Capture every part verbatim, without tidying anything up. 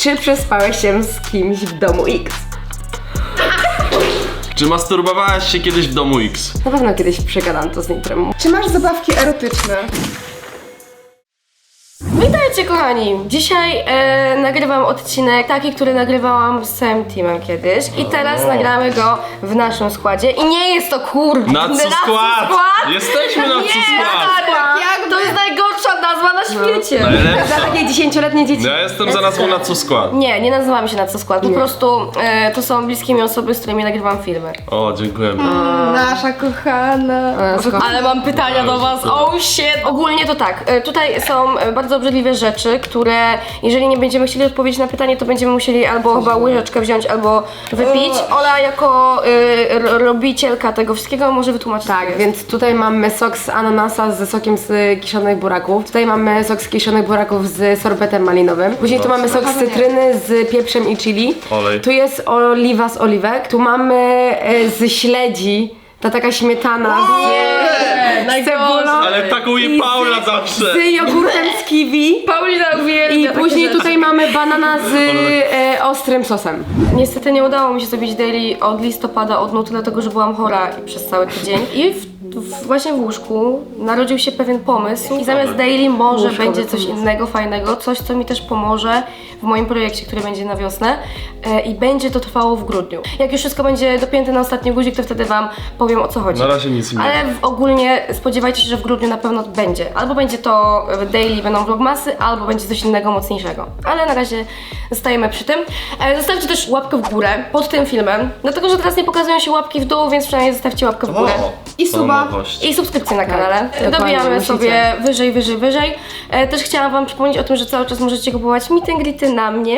Czy przespałeś się z kimś w domu X? Czy masturbowałaś się kiedyś w domu X? Na pewno kiedyś przegadam to z Nitrem. Czy masz zabawki erotyczne? Witajcie kochani! Dzisiaj e, nagrywam odcinek taki, który nagrywałam z całym teamem kiedyś i teraz O. nagramy go w naszym składzie i nie jest to kurde Na co skład? Jesteśmy na co Nie, skład! tak, jak to jest najgorsza nazwa na świecie! Najlepsza. Za takie dziesięcioletnie dzieci. Ja jestem za nazwą na co skład. Nie, nie nazywamy się na co skład, po Nie. prostu e, to są bliskie mi osoby, z którymi nagrywam filmy. O, dziękujemy. Nasza kochana. Ale mam pytania do was, oh shit! Ogólnie to tak, e, tutaj są e, bardzo obrzydliwe rzeczy, które jeżeli nie będziemy chcieli odpowiedzieć na pytanie, to będziemy musieli albo chyba łyżeczkę wziąć, albo wypić. Ola jako y, ro- robicielka tego wszystkiego może wytłumaczyć. Tak, więc tutaj mamy sok z ananasa ze sokiem z kiszonych buraków. Tutaj mamy sok z kiszonych buraków z sorbetem malinowym. Później tu mamy sok z cytryny z pieprzem i chili. Olej. Tu jest oliwa z oliwek. Tu mamy e, z śledzi. Ta taka śmietana z, z cebulą. Ale taką je Paula zawsze. Z jogurtem z kiwi. Paulina uwielbia I takie później rzeczy. tutaj mamy banana z e, ostrym sosem. Niestety nie udało mi się zrobić daily od listopada, od nuty, dlatego że byłam chora i przez cały tydzień. I w, w, właśnie w łóżku narodził się pewien pomysł i zamiast daily może będzie coś innego, fajnego, coś co mi też pomoże w moim projekcie, który będzie na wiosnę e, i będzie to trwało w grudniu. Jak już wszystko będzie dopięte na ostatni guzik, to wtedy wam powiem o co chodzi. Na razie nic nie. Ale w, ogólnie spodziewajcie się, że w grudniu na pewno będzie. Albo będzie to daily, będą vlogmasy, albo będzie coś innego, mocniejszego. Ale na razie zostajemy przy tym. E, zostawcie też łapkę w górę pod tym filmem, dlatego że teraz nie pokazują się łapki w dół, więc przynajmniej zostawcie łapkę w górę. O, I to suba. nowość. I subskrypcję na kanale. dokładnie, Dobijamy musicie. sobie wyżej, wyżej, wyżej. E, też chciałam wam przypomnieć o tym, że cały czas możecie kupować meet and greety na mnie.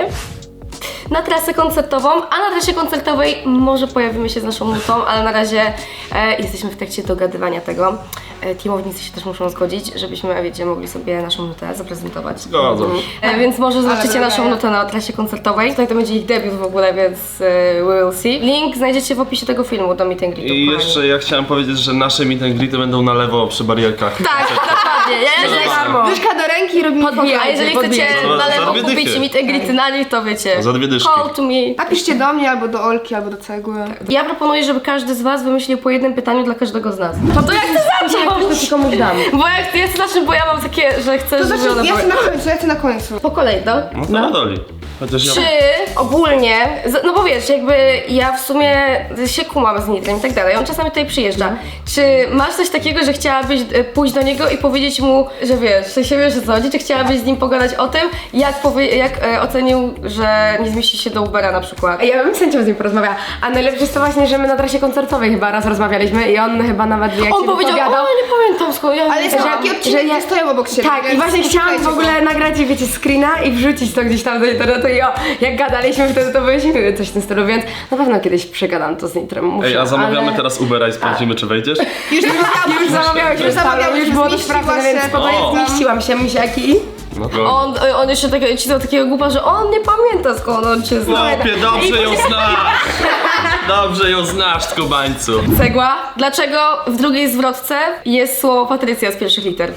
Na trasę koncertową, a na trasie koncertowej może pojawimy się z naszą nutą, ale na razie e, jesteśmy w trakcie dogadywania tego. E, teamownicy się też muszą zgodzić, żebyśmy, wiecie, mogli sobie naszą nutę zaprezentować. Zgadzam się. E, więc może zobaczycie Ale naszą nutę na trasie koncertowej. Tutaj to będzie ich debiut w ogóle, więc e, we will see. Link znajdziecie w opisie tego filmu do meet and greetu. I jeszcze ja chciałem powiedzieć, że nasze meet and greety będą na lewo przy barierkach. Tak, dokładnie, nie? Że darmo. Dyszka do ręki i robimy Podbijaj, a jeżeli chcecie Za- na za lewo dwie kupić dychy. meet and greety na nich, to wiecie. Za dwie dyszki. Call to me. Napiszcie do mnie albo do Olki, albo do Cegły. Ja proponuję, żeby każdy z was wymyślił po jednym pytaniu dla każdego z nas. To, to jak chcę zacząć? To komuś dam. Bo jak ja chcę zacząć, bo ja mam takie, że chcę, To żeby znaczy, one ja były... chcę na końcu, ja chcę na końcu. Po kolei, no? No to na doli. Chociaż ja... Czy ogólnie, z- no bo wiesz, jakby ja w sumie się kumam z Nitrem i tak dalej, on czasami tutaj przyjeżdża. Czy masz coś takiego, że chciałabyś e, pójść do niego i powiedzieć mu, że wiesz, w sensie wiesz o co chodzi, czy chciałabyś z nim pogadać o tym, jak, powie, jak e, ocenił, że nie zmieści się do Ubera na przykład? A ja bym z chęcią z nim porozmawiała. A najlepsze jest to właśnie, że my na trasie koncertowej chyba raz rozmawialiśmy i on chyba nawet jak On się powiedział, wypowiadał. o nie pamiętam skąd, ja Ale nie są wiem. takie że odcinki, ja- które stoją obok siebie. Tak, więc i właśnie chciałam w szukajcie ogóle go. nagrać, wiecie, screena i wrzucić to gdzieś tam do internetu i o, jak gadaliśmy wtedy, to byliśmy coś w tym stylu, więc na pewno kiedyś przegadam to z Nitrem. Muszę, Ej, a zamawiamy ale... teraz Ubera i sprawdzimy, czy wejdziesz? Już zamawiałam. Już zamawiałeś, już zamawiałeś, już było to zmieściła sprawdzone, więc się. spokojnie O. zmieściłam się, misiaki. No to... On, on jeszcze tak, cisnął takiego głupa, że on nie pamięta skąd on cię zna. Chłopie, dobrze ją znasz! Dobrze ją znasz, Kubańcu. Cegła. Dlaczego w drugiej zwrotce jest słowo Patrycja z pierwszych liter?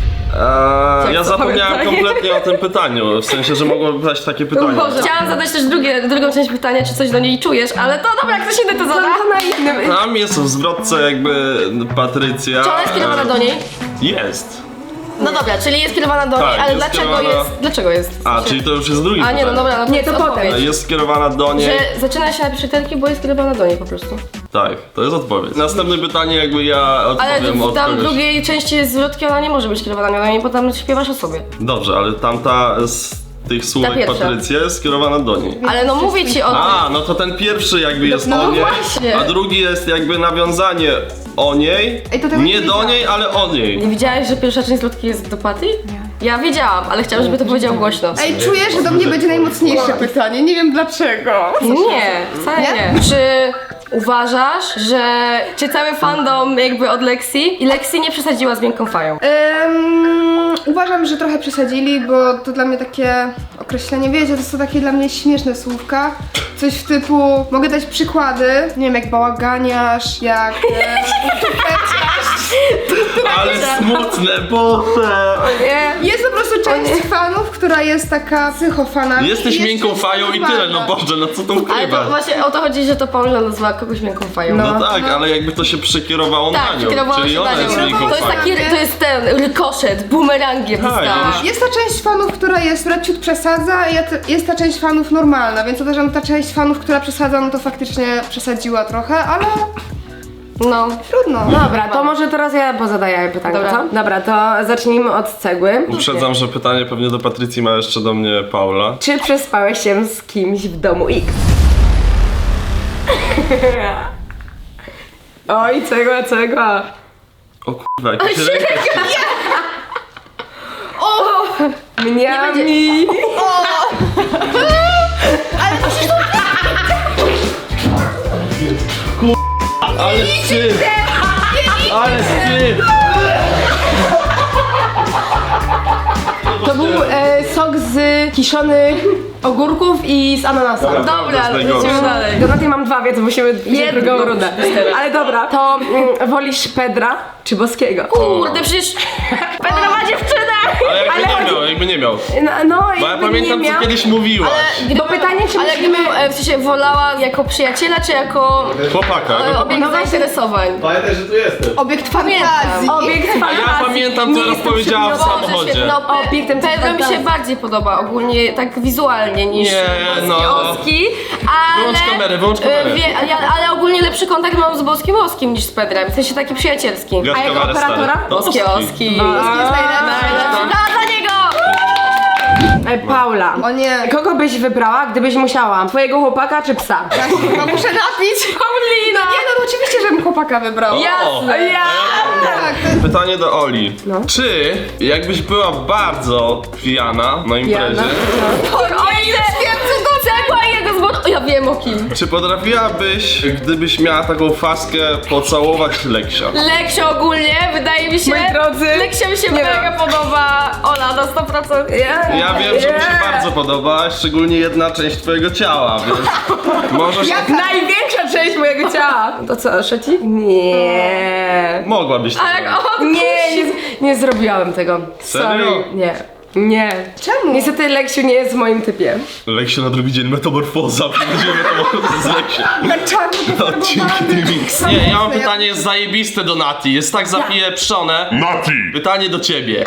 Eee, ja co, zapomniałem pamiętaj? kompletnie o tym pytaniu, w sensie, że mogłoby paść takie pytanie. Boże. Chciałam zadać też drugie, drugą część pytania, czy coś do niej czujesz, ale to dobra, ktoś inny to zada. To na innym. Tam jest w zwrotce jakby Patrycja. Czy ona jest kierowana do niej? Jest. No dobra, czyli jest kierowana do Tak, niej, ale jest dlaczego kierowana- jest? Dlaczego jest? A, czyli to już jest drugi A nie, no pytanie. dobra, no Nie, to jest potem. odpowiedź. Jest skierowana do niej. Że zaczyna się na pierwszej literki, bo jest kierowana do niej po prostu. Tak, to jest odpowiedź. Następne pytanie jakby ja Ale odpowiem w od tam kogoś. drugiej części zwrotki ona nie może być kierowana do niej, bo tam śpiewasz o sobie. Dobrze, ale tamta z tych słówek pierwsza. Patrycja jest skierowana do niej. Ale no mówię ci o tym. A, no to ten pierwszy jakby jest no o niej, właśnie. a drugi jest jakby nawiązanie o niej, Ej, to tego nie nie do wiedziałam. niej, ale o niej. Nie widziałeś, że pierwsza część zwrotki jest do Paty? Nie. Ja wiedziałam, ale chciałam, żeby to powiedział głośno. Ej, czuję, że do mnie będzie najmocniejsze pytanie, nie wiem dlaczego. Nie, wcale nie. Czy uważasz, że czy cały fandom jakby od Lexi i Lexi nie przesadziła z miękką fają? Ym, uważam, że trochę przesadzili, bo to dla mnie takie określenie, wiecie, to są takie dla mnie śmieszne słówka. Coś w typu, mogę dać przykłady, nie wiem, jak bałaganiarz, jak e, peciarz. Ale smutne, Boże! Nie. Jest po prostu część fanów, która jest taka psychofanami. Jesteś i jest miękką część fają i tyle, no normalna. Boże, no co tu Ale ukrywać? to właśnie o to chodzi, że to Paulina nazwała kogoś miękką fają. No tak, ale jakby to się przekierowało Tak, na nią, przekierowało czyli się ona na jest nią. miękką To jest fają. taki, to jest ten rykoszet, bumerangiem Tak, dostała. ja Jest ta część fanów, która jest, która ciut przesadza, i jest- jest ta część fanów normalna, więc uważam, że ta część fanów, która przesadza, no to faktycznie przesadziła trochę, ale No. trudno. Dobra, to może teraz ja pozadaję pytanie, Dobra. co? Dobra, to zacznijmy od cegły. Uprzedzam, że pytanie pewnie do Patrycji ma jeszcze do mnie Paula. Czy przespałeś się z kimś w domu X? Oj, cegła, cegła. O kurwa, jakaś ręka się... Mniami. Ale wstyd! Ale wstyd! To był e, sok z kiszonych ogórków i z ananasa. Dobra, Dobra, to jest ale najgorsze. lecimy dalej. Do tej mam dwa, więc musimy wziąć Jedno. drugą rundę. Ale dobra, to mm, wolisz Pedra czy Boskiego? Kurde, przecież Pedro ma dziewczynę! Ale jakby Ale nie chodzi- miał, jakby nie miał. No, no Bo ja jakby pamiętam, nie co miał. kiedyś mówiłaś. Gdyby, Bo pytanie, czy ale musimy- gdybym e, w sensie wolała jako przyjaciela, czy jako Chłopaka. e, no. obiekt No właśnie. zainteresowań? Pamiętaj, że tu jestem. Obiekt Pamiętam. fantazji. Obiekt fantazji. Ja pamiętam, co Nie jestem powiedziała w przedmiotem. samochodzie. świetnie. No, Pe- Obiektem Pedro mi się fantazji. bardziej podoba ogólnie tak wizualnie niż Nie, Boski no. Oski, ale... Wyłącz kamerę, wyłącz kamerę. e, Wie, ja, ale ogólnie lepszy kontakt mam z Boskim Oskim niż z Pedrem, w sensie taki przyjacielski. Gaś A jako kamerę, stary. operatora? No, Boskie Oski. Boski jest najlepszy. Najlepszy. Da za niego! E, Paula. O nie. Kogo byś wybrała, gdybyś musiała? Twojego chłopaka czy psa? Ja się chyba muszę napić. Paulina! Nie no, no oczywiście, żebym chłopaka wybrała. Jasne. Ja. Tak, to jest... Pytanie do Oli. Czy jakbyś była bardzo pijana na imprezie, O ile! Wiem co to cegła i jego zbocz... O, ja wiem o kim. czy potrafiłabyś, gdybyś miała taką faskę, pocałować Leksia? Leksio ogólnie, wydaje mi się... Moi drodzy, Leksio mi się nie mega podoba. Ola, na sto procent. Ja, Ja wiem, że mi się bardzo podoba, szczególnie jedna część twojego ciała, więc możesz... Największa część mojego ciała. To co, trzeci? Nie. Mogłabyś to Tak, zrobić. o, Nie, nie, nie zrobiłam tego. Serio? Sorry. Nie. Nie. Czemu? Niestety Leksiu nie jest w moim typie. Leksio na drugi dzień metamorfoza, będzie metamorfoza z Leksiem. Na czarno Odcinki T-Mix. Nie, ja mam pytanie, jest zajebiste do Nati, jest tak zapieprzone. Nati! Pytanie do ciebie.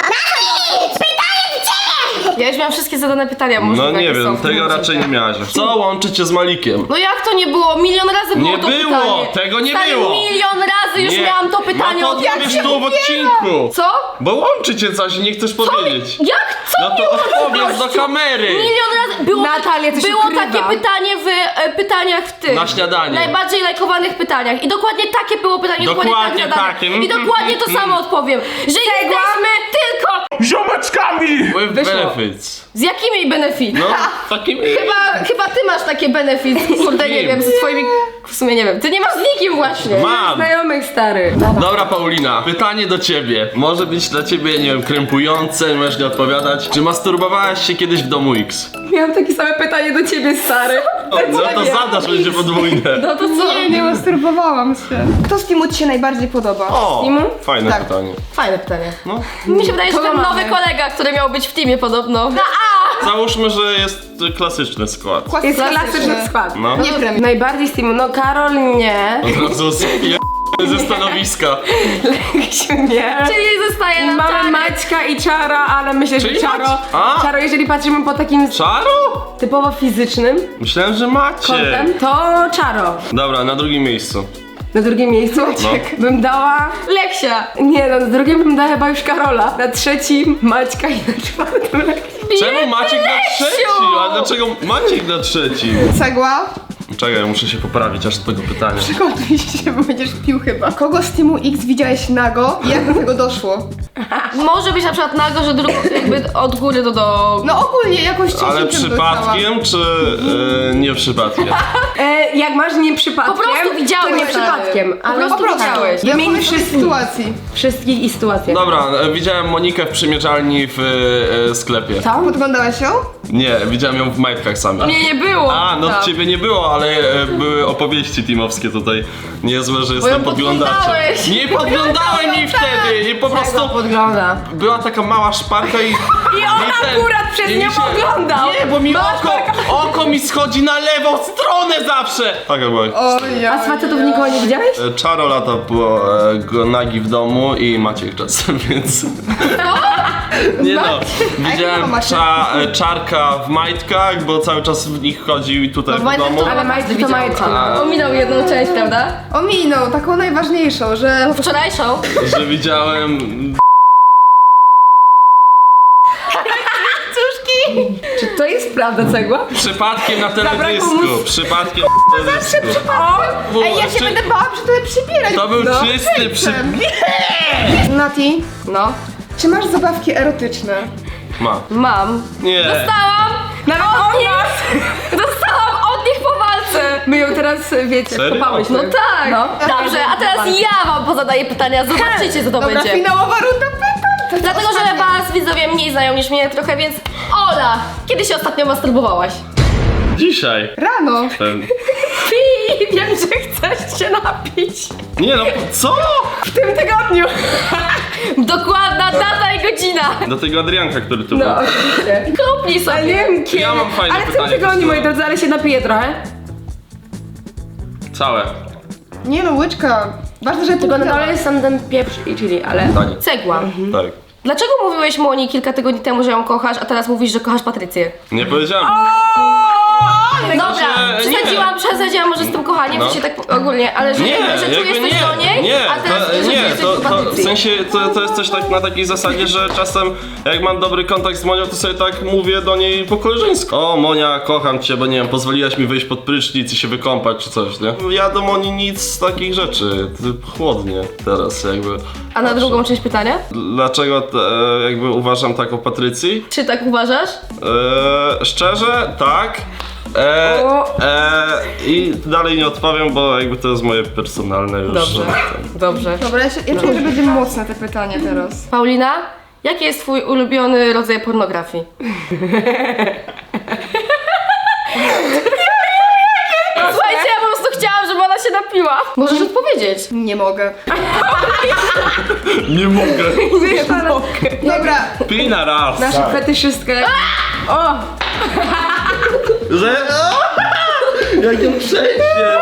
Ja już miałam wszystkie zadane pytania, może No nie takie wiem, są. tego raczej nie miałaś. Co łączy cię z Malikiem? No jak to nie było? Milion razy było Nie to było, pytanie. tego nie Stary, było. milion razy już Nie. miałam to pytanie No to od jak odpowiesz się tu w odcinku. Co? Bo łączy cię coś i nie chcesz powiedzieć. Jak? Co No mnie to łączy, odpowiedz do gościu? kamery. Milion razy było, Natalia, ty się było ukrywa. takie pytanie w e, pytaniach w tym. Na śniadanie. Najbardziej lajkowanych pytaniach. I dokładnie takie było pytanie, dokładnie, Dokładnie tak zadane. takie. I Mhm, dokładnie to mhm. samo odpowiem. Że jesteśmy tylko Ziomeczkami! With Wyszło. benefits. z jakimi benefit? No, takimi... Chyba, chyba ty masz takie benefit. Kurde, nie kim? wiem, ze swoimi... W sumie nie wiem. Ty nie masz z nikim właśnie. Mam. Znajomych stary. Dobra, Paulina, pytanie do ciebie. Może być dla ciebie, nie wiem, krępujące, możesz nie odpowiadać. Czy masturbowałaś się kiedyś w domu X? Miałam takie same pytanie do ciebie, stary. No to zadasz, będzie podwójne. No to co? Nie, nie masturbowałam się. Kto z teamu ci się najbardziej podoba? O, Timu? fajne Tak. pytanie. Fajne pytanie. No. Mi się wydaje, że Kogo ten nowy mamy? kolega, który miał być w teamie podobno. Na A! Załóżmy, że jest klasyczny skład. Jest Klasyczny. klasyczny skład. No. Nie premier. Najbardziej z teamu, no Karol nie. Od razu spie- ze stanowiska. Leksiu nie. Czyli zostaje nam Mamy Czarek. Maćka i Czara, ale myślę, że Czyli Czaro, Mac- A? Czaro, jeżeli patrzymy po takim Czaro? typowo fizycznym Myślałem, że macie. kątem, to Czaro. Dobra, na drugim miejscu. Na drugim miejscu No. bym dała... Leksia. Nie, no, na drugim bym dała chyba już Karola. Na trzecim Maćka i na czwartym Leksiu. Czemu Maciek na trzecim? A dlaczego Maciek na trzecim? Cegła. Czekaj, muszę się poprawić aż do tego pytania. Przygotuj się, bo będziesz pił chyba. Kogo z teamu X widziałeś nago i jak do tego doszło? Może być na przykład nago, że drugą jakby od góry do dołu. No ogólnie jakoś cię Ale się przypadkiem, czy e, nie przypadkiem? E, jak masz nie przypadkiem, Po prostu widziałeś, to nie stary. przypadkiem. Po Ale prostu widziałeś. Ja Wymień powiem o tej wszystkich. sytuacji. Wszystkich i sytuacje. Dobra, e, widziałem Monikę w przymierzalni w e, sklepie. Co? Podglądałeś ją? Nie, widziałem ją w majtkach samych. Mnie nie było. A, no tam. ciebie nie było, ale e, były opowieści teamowskie tutaj. Niezłe, że jestem ją podglądaczem. podglądałeś. Nie podglądałem jej wtedy! I po Tego prostu podgląda. była taka mała szparka i... I on akurat przez i nią mi się- oglądał. Nie, bo mi Mała oko, oko mi schodzi na lewą stronę zawsze! Tak jakby. Oj, A z facetów nikogo nie widziałeś? E, Czaro lata po e, go nagi w domu i Maciek czasem, więc... Nie no, widziałem Maciek? cza, e, czarka w majtkach, bo cały czas w nich chodził i tutaj No w w majtkach domu. to- Ale majtki to majtki. A, Ominął jedną część, prawda? Ominął, taką najważniejszą, że Wczorajszą. że widziałem... Czy to jest prawda cegła? Przypadkiem na Zabrakło teledysku, mu- przypadkiem na teledysku. o! Ej, ja się Czy- będę bała przy tobie przybierać. To był no. czysty przy... Nati, No. czy masz zabawki erotyczne? Ma. Mam. Nie. Dostałam! Nawet Od od nich! Dostałam od nich po walce! My ją teraz, wiecie, Serio? skopałyśmy. No tak! No. Dobrze, a teraz ja wam pozadaję pytania, zobaczycie co to Dobra, będzie. finałowa runda pytań. To jest Dlatego, że ostatnia. was widzowie mniej znają niż mnie trochę, więc Ola, kiedy się ostatnio masturbowałaś? Dzisiaj. Rano. Ten... Pi, wiem, że chcesz się napić. Nie no, co? W tym tygodniu. Dokładna data i godzina. Do tego Adrianka, który tu był. No, oczywiście. Kopnij Ale nie sobie. wiem kiedy. Ja mam fajne Ale w tym pytanie, tygodniu, moi Krystyna. drodzy, ale się napiję trochę. Całe. Nie no, łyczka. Ważne, że Tylko na dole jest sam ten pieprz i chili, ale... Tanie. Cegła. Tak. Dlaczego mówiłeś Moni kilka tygodni temu, że ją kochasz, a teraz mówisz, że kochasz Patrycję? Nie powiedziałem. Dobra, że nie. przesadziłam, przesadziłam może z tym kochaniem, No. w sensie tak ogólnie, ale że, Nie, jakby, że czujesz jakby coś nie, do niej, nie, a teraz to, że nie, czujesz coś to, do to w Patrycji. sensie to, to jest coś tak na takiej zasadzie, że czasem jak mam dobry kontakt z Monią, to sobie tak mówię do niej po koleżeńsku. O Monia, kocham cię, bo nie wiem, pozwoliłaś mi wyjść pod prysznic i się wykąpać czy coś, nie? Ja do Moni nic z takich rzeczy, Ty- chłodnie teraz jakby. A na drugą część pytania? Dlaczego e, jakby uważam tak o Patrycji? Czy tak uważasz? E, szczerze, tak. E, e, I dalej nie odpowiem, bo jakby to jest moje personalne już. Dobrze. że ten- Dobrze. Dobra, ja, się, ja czuję, że będzie mocne te pytanie teraz. Paulina, jaki jest twój ulubiony rodzaj pornografii? Słuchajcie, ja po prostu chciałam, żeby ona się napiła. Możesz odpowiedzieć. Nie mogę. Nie mogę. Dobra, Pij na raz. Nasza fetyszystka. O! Że... Jakie przejście!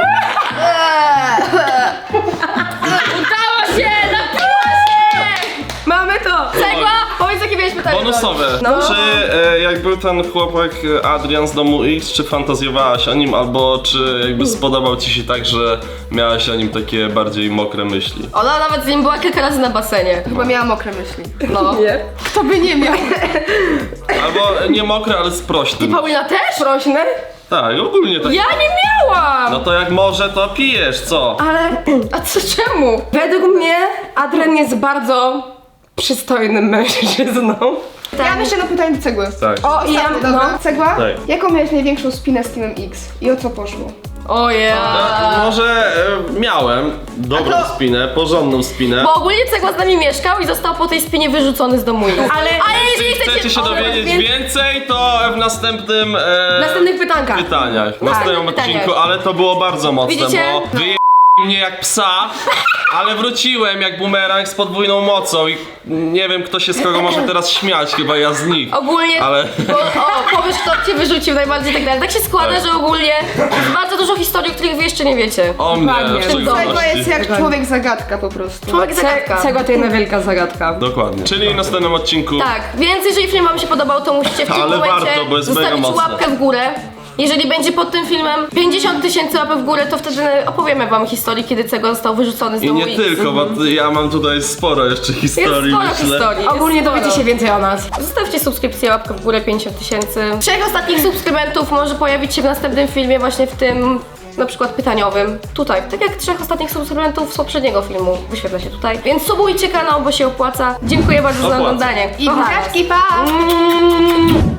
Udało się! Napiła się! Mamy to! Cegła, powiedz jakie miałeś pytanie. Bonusowe. No. Czy e, jak był ten chłopak e, Adrian z domu X, czy fantazjowałaś o nim, albo czy jakby spodobał ci się tak, że miałaś o nim takie bardziej mokre myśli? Ona nawet z nim była kilka razy na basenie. chyba miałam mokre myśli. No. Nie. Kto by nie miał? Albo e, nie mokre, ale sprośne. Paulina też? Prośne? Tak, ogólnie tak. Ja nie miałam! No to jak może, to pijesz, co? Ale A co, czemu? według mnie Adrian jest bardzo przystojnym mężczyzną. Ja mam jeszcze jedno pytanie do cegły. Tak. O, i ja, Dobra, no. cegła? Tak. Jaką miałeś największą spinę z Teamem X? I o co poszło? O ja. E, może e, miałem dobrą A to- spinę, porządną spinę. Bo ogólnie Cegła z nami mieszkał i został po tej spinie wyrzucony z domu. Ale, ale jeżeli Jeśli chcecie się o, dowiedzieć więc- więcej, to w następnym e, W następnych pytankach. pytaniach, w Tak, następnym pytaniach. odcinku, ale to było bardzo mocne, Widzicie? bo wyje mnie jak psa, ale wróciłem jak bumerang z podwójną mocą i nie wiem kto się z kogo może teraz śmiać, chyba ja z nich. Ogólnie, Ale- bo, o, powiesz kto cię wyrzucił najbardziej i tak dalej. Tak się składa, Tak. że ogólnie jest bardzo dużo historii, których wy jeszcze nie wiecie. O mnie Dokładnie. w Cegła szczególności. jest jak człowiek zagadka po prostu. Człowiek Ce- zagadka. Cegła to jedna wielka zagadka. Dokładnie. Czyli w następnym odcinku. Tak, więc jeżeli film wam się podobał, to musicie w tym Ale momencie warto, bo jest mega zostawić mocne. łapkę w górę. Jeżeli będzie pod tym filmem pięćdziesiąt tysięcy łapek w górę, to wtedy opowiemy wam historię, kiedy Cegła został wyrzucony z I domu nie X. tylko, bo t- ja mam tutaj sporo jeszcze Jest historii, sporo myślę. historii. jest Ogólnie sporo. dowiecie się więcej o nas. Zostawcie subskrypcję, łapkę w górę, pięćdziesiąt tysięcy. Trzech ostatnich subskrybentów może pojawić się w następnym filmie, właśnie w tym na przykład pytaniowym. Tutaj, tak jak trzech ostatnich subskrybentów z poprzedniego filmu wyświetla się tutaj. Więc subujcie kanał, bo się opłaca. Dziękuję bardzo za Opłaca. oglądanie. I Kocham was. buziaczki, pa! Mm.